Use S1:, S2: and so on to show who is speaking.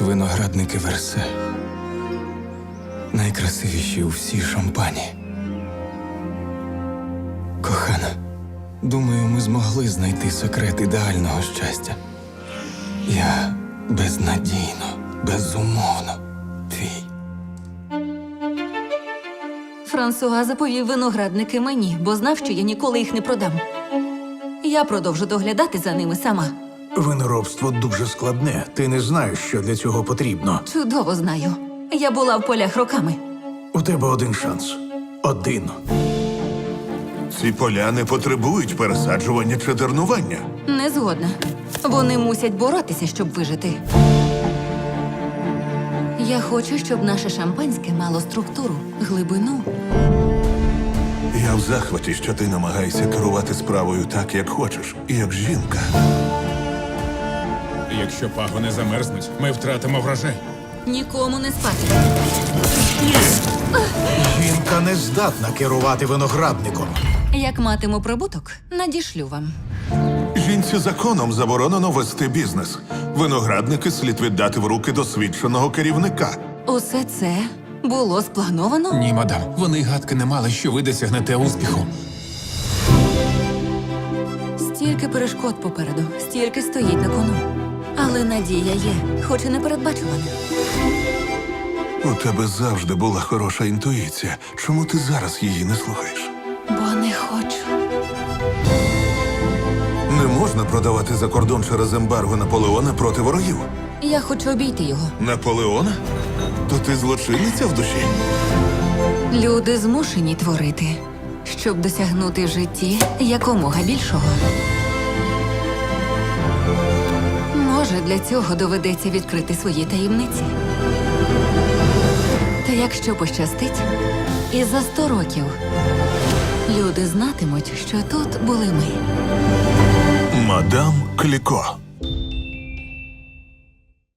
S1: виноградники Версе. Найкрасивіші у всій Шампані. Кохана, думаю, ми змогли знайти секрет ідеального щастя. Я безнадійно, безумовно твій.
S2: Франсуа заповів виноградники мені, бо знав, що я ніколи їх не продам. Я продовжу доглядати за ними сама.
S3: Виноробство дуже складне. Ти не знаєш, що для цього потрібно.
S2: Чудово знаю. Я була в полях роками.
S3: У тебе один шанс. Один.
S4: Ці поля не потребують пересаджування чи дернування.
S2: Не згодна. Вони мусять боротися, щоб вижити. Я хочу, щоб наше шампанське мало структуру, глибину.
S4: Я в захваті, що ти намагаєшся керувати справою так, як хочеш, і як жінка.
S5: Якщо пагони замерзнуть, ми втратимо врожай.
S2: Нікому не спати.
S3: Жінка не здатна керувати виноградником.
S2: Як матиму прибуток, надішлю вам.
S4: Жінці законом заборонено вести бізнес. Виноградники слід віддати в руки досвідченого керівника.
S2: Усе це було сплановано?
S5: Ні, мадам, вони й гадки не мали, що ви досягнете успіху.
S2: Стільки перешкод попереду, стільки стоїть на кону. Але надія є, хоч і непередбачувана.
S4: У тебе завжди була хороша інтуїція. Чому ти зараз її не слухаєш?
S2: Бо не хочу.
S4: Не можна продавати за кордон через ембарго Наполеона проти ворогів.
S2: Я хочу обійти його.
S4: Наполеона? То ти злочинниця в душі?
S2: Люди змушені творити, щоб досягнути в житті якомога більшого. Може, для цього доведеться відкрити свої таємниці. Та якщо пощастить, і за 100 років люди знатимуть, що тут були ми.
S4: Мадам Кліко.